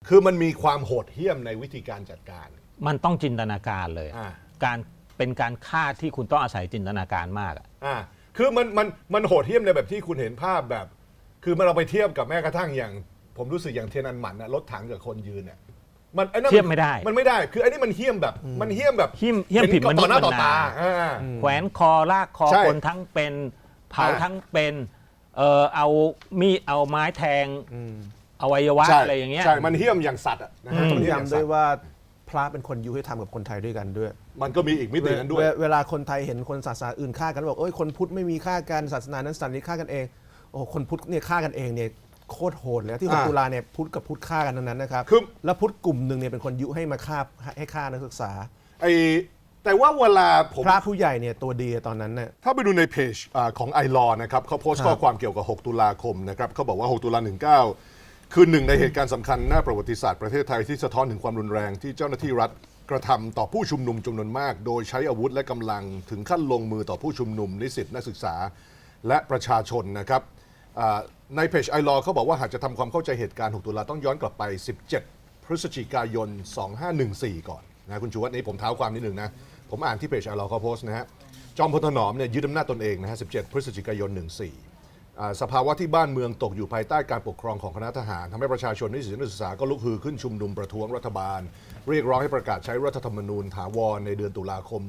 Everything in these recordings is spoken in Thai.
คือมันมีความโหดเหี้ยมในวิธีการจัดการมันต้องจินตนาการเลยการเป็นการฆ่าที่คุณต้องอาศัยจินตนาการมากคือมันโหดเหี้ยมในแบบที่คุณเห็นภาพแบบ คือมันเราไปเทียบกับแม้กระทั่งอย่างผมรู้สึกอย่างเทียนอันหมันนะรถถังกับคนยืนเนี่ยมันเทียบไม่ได้มันไม่ได้คืออันนี้มันเหี้ยมแบบเหี้ยมผิดมนุษย์ต่อหน้าต่อตาแขวนคอลากคอคนทั้งเป็นเผาทั้งเป็นเอามีดเอาไม้แทงอวัยวะอะไรอย่างเงี้ยใช่มันเหี้ยมอย่างสัตว์นะฮะต้องย้ำด้วยว่าพระเป็นคนยุให้ทำกับคนไทยด้วยกันด้วยมันก็มีอีกมิตินั้นด้วยเวลาคนไทยเห็นคนศาสนาอื่นฆ่ากันบอกคนพุทธไม่มีฆ่ากันศาสนานั้นศาสนานี้ฆ่ากันเองคนพุทธเนี่ยฆ่ากันเองเนี่ยโคตรโหดเลยที่6 ตุลาเนี่ยพุทธกับพุทธฆ่ากันนั้นนะครับแล้วพุทธกลุ่มหนึ่งเนี่ยเป็นคนยุให้มาฆ่านักศึกษาแต่ว่าเวลาผมพระผู้ใหญ่เนี่ยตัวดีตอนนั้นเนี่ยถ้าไปดูในเพจของไอรอนะครับเขาโพสต์ข้อความเกี่ยวกับ6 ตุลาคมนะครับเขาบอกว่า6 ตุลา19คือหนึ่งในเหตุการณ์สำคัญหน้าประวัติศาสตร์ประเทศไทยที่สะท้อนถึงความรุนแรงที่เจ้าหน้าที่รัฐกระทำต่อผู้ชุมนุมจำนวนมากโดยใช้อาวุธและกำลังถึงขั้นลงมือต่อผู้ชุมนุมนิสิตนักศึกษาและประชาชนนะครับในเพจไอรอเขาบอกว่าหากจะทำความเข้าใจเหตุการณ์6 ตุลาต้องย้อนกลับไป17 พฤศจิกายน 2514 ก่อนนะคุณชูวัฒน์นี้ผมเท้าความนิดหนึ่งนะผมอ่านที่เพจไอรอเขาโพสต์นะฮะจอมพลถนอมเนี่ยยึดอำนาจตนเองนะฮะ17 พฤศจิกายน 14สภาวะที่บ้านเมืองตกอยู่ภายใต้การปกครองของคณะทหารทำให้ประชาชนนิสิตนักศึกษาก็ลุกฮือขึ้นชุมนุมประท้วงรัฐบาลเรียกร้องให้ประกาศใช้รัฐธรรมนูญถาวรในเดือนตุลาคม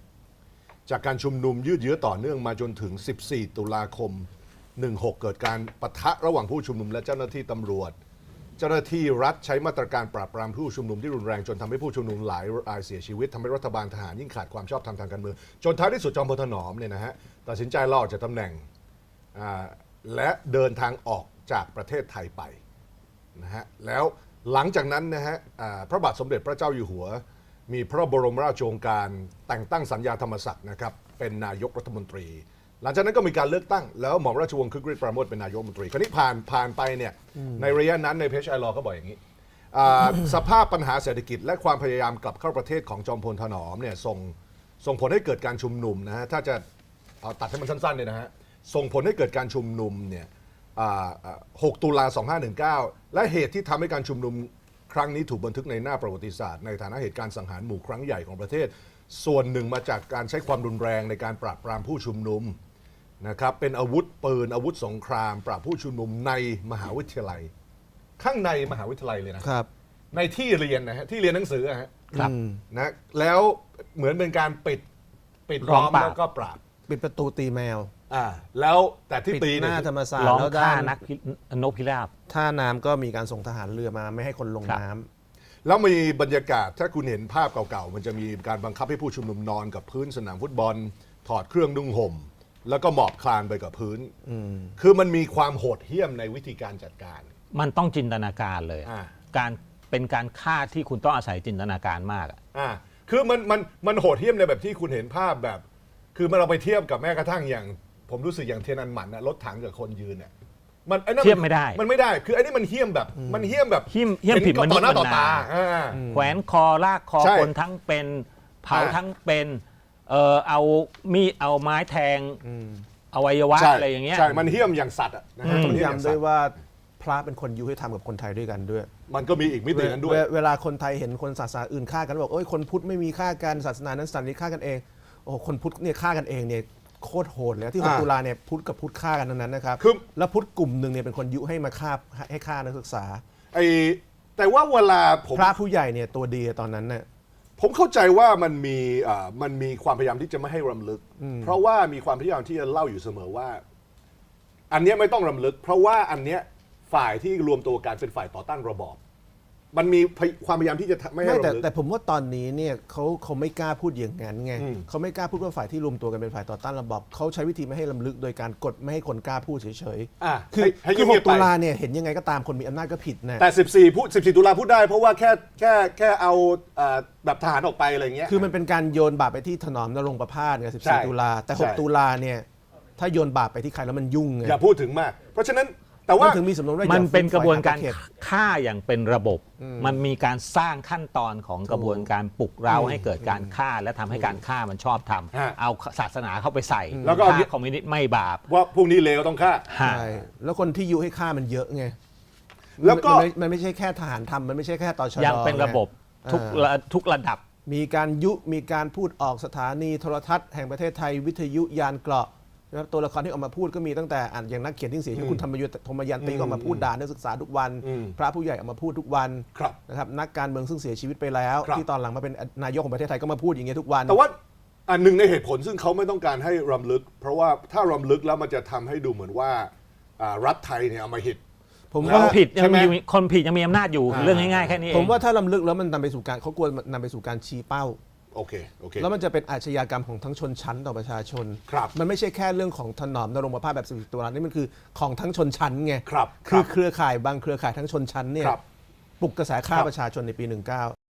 16จากการชุมนุมยืดเยื้อต่อเนื่องมาจนถึง14 ตุลาคม 16เกิดการปะทะระหว่างผู้ชุมนุมและเจ้าหน้าที่ตำรวจเจ้าหน้าที่รัฐใช้มาตรการปราบปรามผู้ชุมนุมที่รุนแรงจนทำให้ผู้ชุมนุมหลายรายเสียชีวิตทำให้รัฐบาลทหารยิ่งขาดความชอบธรรมทางการเมืองจนท้ายที่สุดจอมพลถนอมเนี่ยนะฮะตัดสินใจลาออกจากตำแหน่งและเดินทางออกจากประเทศไทยไปนะฮะแล้วหลังจากนั้นนะฮะพระบาทสมเด็จพระเจ้าอยู่หัวมีพระบรมราชโองการแต่งตั้งสัญญาธรรมศักดิ์นะครับเป็นนายกรัฐมนตรีหลังจากนั้นก็มีการเลือกตั้งแล้วหม่อมราชวงศ์คึกฤทธิ์ปราโมชเป็นนายกรัฐมนตรีคราวนี้ผ่านไปเนี่ยในระยะนั้นในเพจไอรอเขาบอกอย่างนี้สภาพปัญหาเศรษฐกิจและความพยายามกลับเข้าประเทศของจอมพลถนอมเนี่ยส่งผลให้เกิดการชุมนุมนะฮะถ้าจะเอาตัดให้มันสั้นๆเนี่ยนะฮะส่งผลให้เกิดการชุมนุมเนี่ย6 ตุลา 2519และเหตุที่ทำให้การชุมนุมครั้งนี้ถูกบันทึกในหน้าประวัติศาสตร์ในฐานะเหตุการณ์สังหารหมู่ครั้งใหญ่ของประเทศส่วนหนึ่งมาจากการใช้ความรุนแรงในการปราบปรามผู้ชุมนุมนะครับเป็นอาวุธปืนอาวุธสงครามปราบผู้ชุมนุมในมหาวิทยาลัยข้างในมหาวิทยาลัยเลยนะครับในที่เรียนนะฮะที่เรียนหนังสือฮะนะแล้วเหมือนเป็นการปิดล้อมแล้วก็ปราบปิดประตูตีแมวแล้วแต่ที่ตีหน้าธรรมศาสตร์ร้องฆ่านักนกพิราบท่าน้ำก็มีการส่งทหารเรือมาไม่ให้คนลงน้ำแล้วมีบรรยากาศถ้าคุณเห็นภาพเก่าๆมันจะมีการบังคับให้ผู้ชุมนุมนอนกับพื้นสนามฟุตบอลถอดเครื่องนุ่งห่มแล้วก็หมอบคลานไปกับพื้นคือมันมีความโหดเหี้ยมในวิธีการจัดการมันต้องจินตนาการเลยการเป็นการฆ่าที่คุณต้องอาศัยจินตนาการมากคือมันโหดเหี้ยมในแบบที่คุณเห็นภาพแบบคือมันเราไปเทียบกับแม้กระทั่งอย่างผมรู้สึกอย่างเทียนอันหมันนะรถถังกับคนยืนเนี่ยเทียบไม่ได้มันไม่ได้คืออันนี้มันเหี้ยมแบบเหี้ยมผิดมนุษย์ต่อหน้าต่อตาแขวนคอลากคอคนทั้งเป็นเผาทั้งเป็นเอามีดเอาไม้แทงอวัยวะอะไรอย่างเงี้ยใช่มันเหี้ยมอย่างสัตว์นะฮะต้องย้ำด้วยว่าพระเป็นคนยุให้ทำกับคนไทยด้วยกันด้วยมันก็มีอีกมิตินั้นด้วยเวลาคนไทยเห็นคนศาสนาอื่นฆ่ากันบอกคนพุทธไม่มีฆ่ากันศาสนานั้นศาสนานี้ฆ่ากันเองคนพุทธเนี่ยฆ่ากันเองเนี่ยโคตรโหดเลยที่6 ตุลาเนี่ยพุทธกับพุทธฆ่ากันนั้นนะครับแล้วพุทธกลุ่มหนึ่งเนี่ยเป็นคนยุให้มาฆ่านักศึกษาแต่ว่าเวลาพระผู้ใหญ่เนี่ยตัวดีตอนนั้นเนี่ยผมเข้าใจว่ามันมีความพยายามที่จะไม่ให้รำลึกเพราะว่ามีความพยายามที่จะเล่าอยู่เสมอว่าอันนี้ไม่ต้องรำลึกเพราะว่าอันเนี้ยฝ่ายที่รวมตัวกันเป็นฝ่ายต่อต้านระบอบมันมีความพยายามที่จะไม่ให้รำลึกแต่ผมว่าตอนนี้เนี่ยเขาไม่กล้าพูดอย่างนั้นไงเขาไม่กล้าพูดว่าฝ่ายที่รวมตัวกันเป็นฝ่ายต่อต้านระบอบเขาใช้วิธีไม่ให้รำลึกโดยการกดไม่ให้คนกล้าพูดเฉยๆคือ6 ตุลาเนี่ยเห็นยังไงก็ตามคนมีอำนาจก็ผิดนะแต่14 ตุลาพูดได้เพราะว่าแค่เอาแบบทหารออกไปอะไรเงี้ยคือมันเป็นการโยนบาปไปที่ถนอมนรงค์ประพาสไง14 ตุลาแต่6 ตุลาเนี่ยถ้าโยนบาปไปที่ใครแล้วมันยุ่งไงอย่าพูดถึงมากเพราะฉะนั้นแต่ว่าถึงมีสำนวนว่ามันเป็นกระบวนการฆ่าอย่างเป็นระบบมันมีการสร้างขั้นตอนของกระบวนการปลุกเร้าให้เกิดการฆ่าและทำให้การฆ่ามันชอบทำเอาศาสนาเข้าไปใส่แล้วก็คอมมิวนิสต์ไม่บาปว่าพวกนี้เลวต้องฆ่าใช่แล้วคนที่ยุให้ฆ่ามันเยอะไงแล้วก็มันไม่ใช่แค่ทหารทำมันไม่ใช่แค่ตชดยังเป็นระบบทุกระดับมีการพูดออกสถานีโทรทัศน์แห่งประเทศไทยวิทยุยานเกราะนะครับตัวละครที่ออกมาพูดก็มีตั้งแต่อย่างนักเขียนที่เสียชีวิตคุณธรรมยันตีก็ออกมาพูดด่านักศึกษาทุกวัน พระผู้ใหญ่ออกมาพูดทุกวันครับนะครับนักการเมืองซึ่งเสียชีวิตไปแล้วครับที่ตอนหลังมาเป็นนายกของประเทศไทยก็มาพูดอย่างเงี้ยทุกวันแต่ว่าอันหนึ่งในเหตุผลซึ่งเขาไม่ต้องการให้รำลึก เพราะว่าถ้ารำลึกแล้วมันจะทำให้ดูเหมือนว่ารัฐไทยเนี่ยเอามาหิตผมคว่านผิดยัใช่งไหมมีคนผิดยังมีอำนาจอยู่เรื่องง่ายๆแค่นี้เองผมว่าถ้าลำลึกแล้วมันนำไปสู่การเขากลัวนำไปสู่การชี้เป้าโอเคแล้วมันจะเป็นอาชญากรรมของทั้งชนชั้นต่อประชาชนครับมันไม่ใช่แค่เรื่องของถนอมนรงค์ประพาสแบบ11 ตุลานี่มันคือของทั้งชนชั้นไงครับคือเครือข่ายบางเครือข่ายทั้งชนชั้นเนี่ยครับปลุกกระแสฆ่าครับประชาชนในปี 19